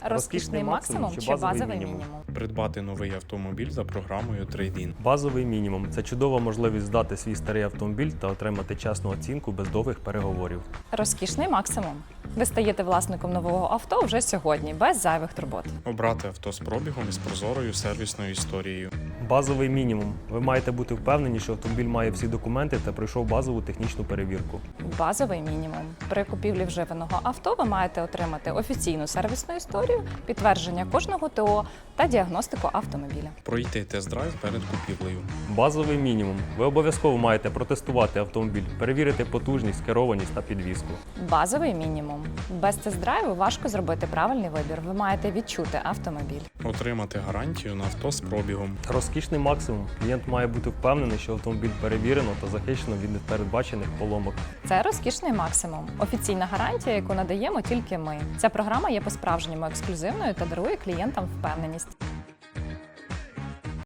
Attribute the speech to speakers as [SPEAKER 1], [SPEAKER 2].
[SPEAKER 1] Розкішний максимум чи базовий мінімум?
[SPEAKER 2] Придбати новий автомобіль за програмою Trade-in.
[SPEAKER 3] Базовий мінімум – це чудова можливість здати свій старий автомобіль та отримати чесну оцінку без довгих переговорів.
[SPEAKER 1] Розкішний максимум. Ви стаєте власником нового авто вже сьогодні, без зайвих турбот.
[SPEAKER 2] Обрати авто з пробігом і з прозорою сервісною історією.
[SPEAKER 3] Базовий мінімум. Ви маєте бути впевнені, що автомобіль має всі документи та пройшов базову технічну перевірку.
[SPEAKER 1] Базовий мінімум. При купівлі вживаного авто ви маєте отримати офіційну сервісну історію, підтвердження кожного ТО та діагностику автомобіля.
[SPEAKER 2] Пройти тест-драйв перед купівлею.
[SPEAKER 3] Базовий мінімум. Ви обов'язково маєте протестувати автомобіль, перевірити потужність, керованість та підвізку.
[SPEAKER 1] Базовий мінімум. Без тест-драйву важко зробити правильний вибір. Ви маєте відчути автомобіль.
[SPEAKER 2] Отримати гарантію на авто з пробігом.
[SPEAKER 3] Розкішний максимум. Клієнт має бути впевнений, що автомобіль перевірено та захищено від непередбачених поломок.
[SPEAKER 1] Це розкішний максимум. Офіційна гарантія, яку надаємо тільки ми. Ця програма є по-справжньому ексклюзивною та дарує клієнтам впевненість.